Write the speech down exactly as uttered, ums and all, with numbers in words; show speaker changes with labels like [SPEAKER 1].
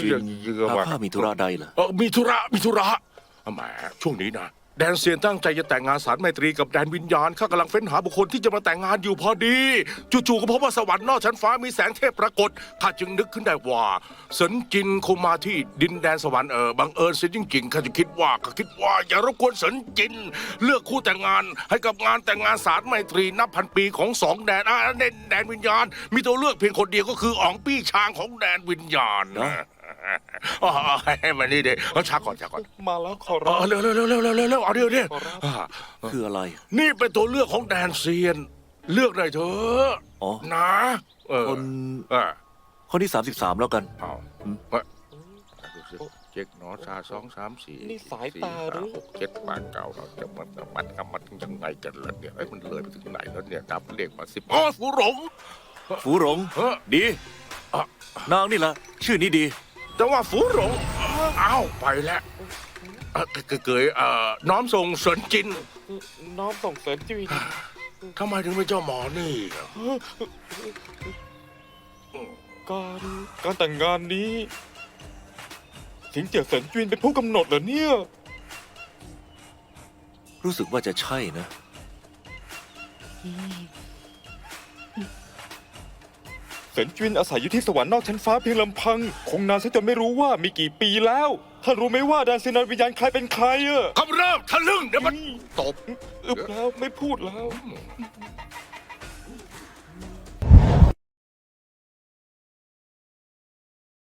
[SPEAKER 1] จินหากข้ามีธุระใดเหรอ
[SPEAKER 2] เออมีธุระมีธุระแหมช่วงนี้นะแดนเซียนตั้งใจจะแต่งงานสารไมตรีกับแดนวิญญาณข้ากำลังเฟ้นหาบุคคลที่จะมาแต่งงานอยู่พอดีจู่ๆก็พบว่าสวรรค์นอกชั้นฟ้ามีแสงเทพปรากฏข้าจึงนึกขึ้นได้ว่าเสินจินคงมาที่ดินแดนสวรรค์เออบังเอิญเสียจริงๆข้าจะคิดว่าข้าคิดว่าอย่ารบกวนเสินจินเลือกคู่แต่งงานให้กับงานแต่งงานสารไมตรีนับพันปีของสองแดนอ่ะแดนแดนวิญญาณมีตัวเลือกเพียงคนเดียวก็คืออ๋องปี้ชางของแดนวิญญาณนะอ๋อให้มานี่เดี๋ยวช้าก่อนช้าก่อน
[SPEAKER 3] มาแล้วขอ
[SPEAKER 2] เอ
[SPEAKER 3] รับ
[SPEAKER 2] อเร็วเร็วเร็วเร็วเร็วเร็วเอาเดี๋ยวเดี๋ยวอ่า
[SPEAKER 1] คืออะไร
[SPEAKER 2] นี่เป็นตัวเลือกของแดนเซียน เลือกได้เถอะ
[SPEAKER 1] อ๋อ
[SPEAKER 2] นะเออ
[SPEAKER 1] คน
[SPEAKER 2] เออ
[SPEAKER 1] คนที่สามสิบสามแล้วกัน
[SPEAKER 2] เอาเฮ้ยดูสิเจ็กหนอชาสองสามสี่
[SPEAKER 3] นี่สายตาหรือ
[SPEAKER 2] หกเจ็ดแปดเก้าเราจะมันมันมันมันยังไงกันล่ะเนี่ยไอ้ยมันเลยไปถึงไหนแล้วเนี่ยนับเลขมาสิบอ๋อฟูหลง
[SPEAKER 1] ฝูหลง
[SPEAKER 2] เออ
[SPEAKER 1] ดี
[SPEAKER 2] อ่ะ
[SPEAKER 1] นางนี่ละชื่อนี้ดี
[SPEAKER 2] แต่ว่าฟูหลงอ้าวไปแล้วเออเกยเกยเอ่อน้อมส่งเสรินจิน
[SPEAKER 3] น้อมส่งเสริมจีน
[SPEAKER 2] ทำไมถึงเป็นเจ้าหมอนี่อ่ะ
[SPEAKER 3] การการแต่งงานนี้สิงเจียเสินจีนเป็นผู้กำหนดเหรอเนี่ย
[SPEAKER 1] รู้สึกว่าจะใช่นะ
[SPEAKER 3] เสินจีนอาศัยอยู่ที่สวรรค์นอกชั้นฟ้าเพียงลำพัง คงนานซะจนไม่รู้ว่ามีกี่ปีแล้วท่านรู้ไหมว่าแดนเซนานวิญญาณใครเป็นใครอะ
[SPEAKER 2] คำเริ่มทะลึ่งเดี๋ยวมันตบ
[SPEAKER 3] อึบแล้วไม่พูดแล้ว
[SPEAKER 2] อ